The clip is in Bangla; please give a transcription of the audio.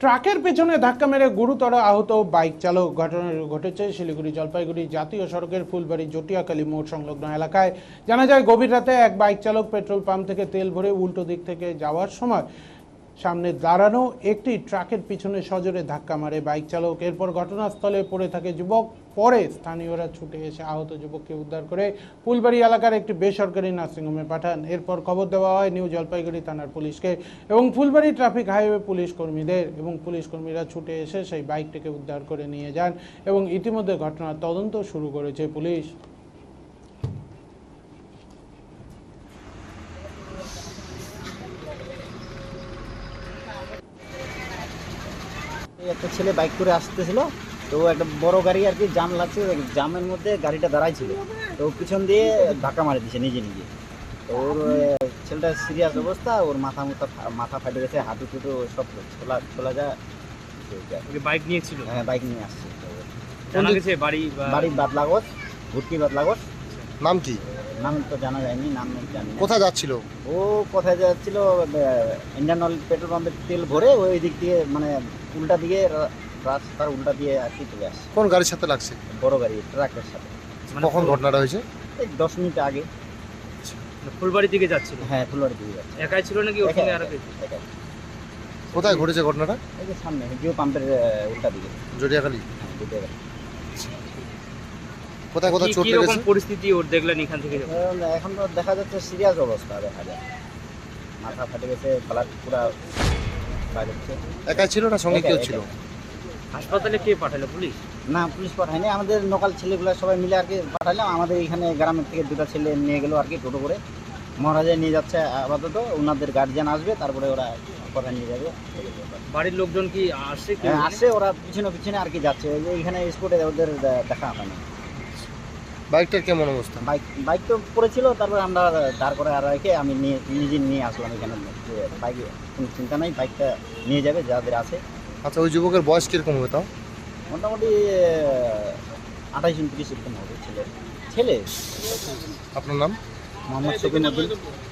ট্রাকের পেছনে ধাক্কা মেরে গুরুতর আহত বাইক চালক। ঘটনা ঘটেছে শিলিগুড়ি জলপাইগুড়ি জাতীয় সড়কের ফুলবাড়ি জটিয়াখালী মোড় সংলগ্ন এলাকায়। জানা যায় গভীর রাতে এক বাইক চালক পেট্রোল পাম্প থেকে তেল ভরে উল্টো দিক থেকে যাওয়ার সময় সামনে দাঁড়ানো একটি ট্রাকের পিছনে সজোরে ধাক্কা মারে বাইক চালক। এরপর ঘটনাস্থলে পড়ে থাকে যুবক। পরে স্থানীয়রা ছুটে এসে আহত যুবককে উদ্ধার করে ফুলবাড়ি এলাকার একটি বেসরকারি নার্সিংহোমে পাঠান। এরপর খবর দেওয়া হয় নিউ জলপাইগুড়ি থানার পুলিশকে এবং ফুলবাড়ি ট্রাফিক হাইওয়ে পুলিশ কর্মীদের, এবং পুলিশ কর্মীরা ছুটে এসে সেই বাইকটিকে উদ্ধার করে নিয়ে যান এবং ইতিমধ্যে ঘটনার তদন্ত শুরু করেছে পুলিশ। একটা ছেলে বাইক করে আসতেছিল, তো একটা বড় গাড়ি আর কি জাম লাগছে, জামের মধ্যে গাড়িটা দাঁড়াই ছিল, তো পিছন দিয়ে ধাক্কা মারি দিছে নিজে নিজে। তো ওর ছেলেটার সিরিয়াস অবস্থা, ওর মাথা ফাটে গেছে, হাঁটু টুটু সব ছোলা যায়। বাইক নিয়েছিল? হ্যাঁ, বাইক নিয়ে আসছে। জানা গেছে বাড়ি বাদলাগজ, ভুটকি বাদলাগজ। নাম কি? নাম তো জানা যায়নি, নাম জানি না। কোথায় যাচ্ছিল ও? কোথায় যাচ্ছিল? ইন্ডিয়ান অয়েল পেট্রোল পাম্পের তেল ভরে ওই দিক দিয়ে, মানে উল্টা দিকে, রাস্তার উল্টা দিয়ে আর কি চলে আসছে। কোন গাড়ির সাথে লাগছে? বড় গাড়ি, ট্রাকের সাথে। কখন ঘটনাটা হয়েছে? এই 10 মিনিট আগে। ফুলবাড়ি দিকে যাচ্ছিল? হ্যাঁ, ফুলবাড়ি দিকে যাচ্ছে। একাই ছিল নাকি ওর সঙ্গে আরো কেউ? একাই। কোথায় ঘটেছে ঘটনাটা? এই যে সামনে জিও পাম্পের উল্টা দিকে। জটিয়াখালী? হ্যাঁ, দুটো গাড়ি। কোথায় কোথায় চোট কি রকম লেগেছে? পরিস্থিতি ওর দেখলেন এখান থেকে যখন? এখন তো দেখা যাচ্ছে সিরিয়াস অবস্থা, দেখা যায় মাথা ফাটে গেছে, ব্লাড পুরা বাইরে হচ্ছে। একাই ছিল না সঙ্গে কেউ একাই, ছিল? একাই। হাসপাতালে কে পাঠালো? পুলিশ? না, পুলিশ পাঠায়নি, আমাদের লোকাল ছেলেগুলো সবাই মিলে আর কি পাঠালাম। আমাদের এখানে গ্রামের থেকে দুটো ছেলে নিয়ে গেলো আর কি, টোটো করে মহারাজে নিয়ে যাচ্ছে আপাতত। ওনাদের গার্জিয়ান আসবে, তারপরে ওরা কোথায় নিয়ে যাবে। বাড়ির লোকজন কি আসছে? হ্যাঁ, আসে, ওরা পিছনে পিছনে আর কি যাচ্ছে। ওই যে এখানে স্পটে ওদের দেখা হয়নি। বাইকটার কেমন অবস্থা? বাইক তো পড়েছিল, তারপরে আমরা দাঁড় করে আর রেখে আমি নিজে নিয়ে আসলাম এখানে। বাইকে কোনো চিন্তা নাই, বাইকটা নিয়ে যাবে যাদের আছে। আচ্ছা, ওই যুবকের বয়স কিরকম হবে তাও? মোটামুটি 28-29 এরকম হবে ছেলে। আপনার নাম? মোহাম্মদ শফিউদ্দিন।